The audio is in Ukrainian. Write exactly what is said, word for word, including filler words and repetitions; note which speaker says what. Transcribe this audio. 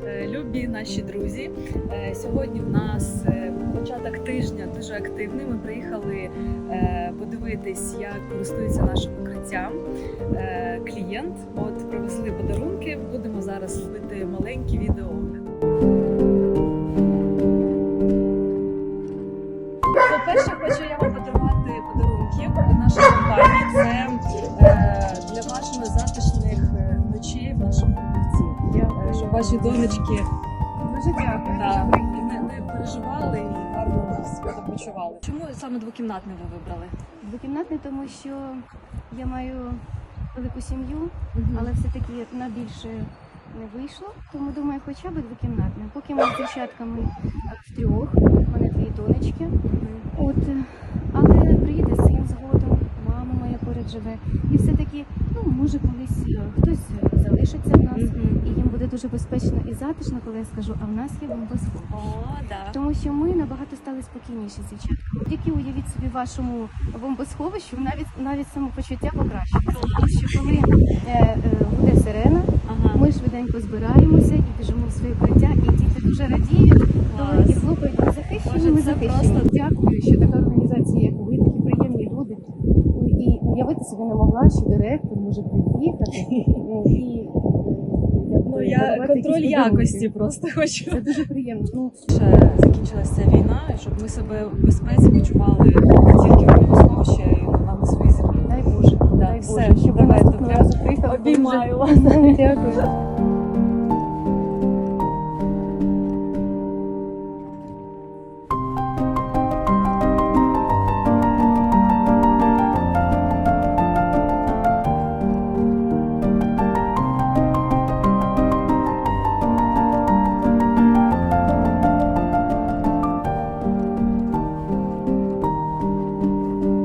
Speaker 1: любі наші друзі. Сьогодні в нас початок тижня дуже активний. Ми приїхали подивитись, як користується нашим укриттям клієнт. От привезли подарунки. Будемо зараз робити маленький відеоогляд. По-перше, хочу я вам подарувати подарунки від нашої компанії. Це для ваших затишних ночей в нашому укритті. Щоб ваші донечки
Speaker 2: дуже дякую.
Speaker 1: Да, не, не переживали і гарно себе почували. Чому саме двокімнатний ви вибрали?
Speaker 2: Двокімнатний, тому що я маю велику сім'ю, але все-таки на більше не вийшло, тому думаю, хоча б двокімнатний. Поки ми з дівчатками втрьох, у мене дві донечки. От, але приїде син згодом, мама моя поряд живе. І все-таки, ну, може колись хтось залишиться в нас, mm-hmm. і їм буде дуже безпечно і затишно, коли я скажу, а в нас є бомбосховище.
Speaker 1: Oh, да.
Speaker 2: Тому що ми набагато стали спокійніші з дівчатками. Тільки уявіть собі вашому бомбосховищу, навіть, навіть самопочуття покращується. Тому що коли е, е, буде сирена, ага. ми швиденько збираємося і біжимо в своє укриття, і діти дуже радіють, і хлопають, ми захищені, ми захищені. Просто дякую, що така організація, як ви, такі приємні люди. І уявити собі не могла, що директор може приїхати. І,
Speaker 1: ну, я контроль якості просто хочу.
Speaker 2: Це дуже приємно. Ну,
Speaker 1: ще закінчилася війна, щоб ми себе в безпеці почували тільки в бомбосховищі і на своїй землі.
Speaker 2: Дай Боже,
Speaker 1: да,
Speaker 2: дай
Speaker 1: все,
Speaker 2: Боже, щоб ви
Speaker 1: давайте,
Speaker 2: наступного разу приїхали.
Speaker 1: Обіймаю вас.
Speaker 2: Дякую.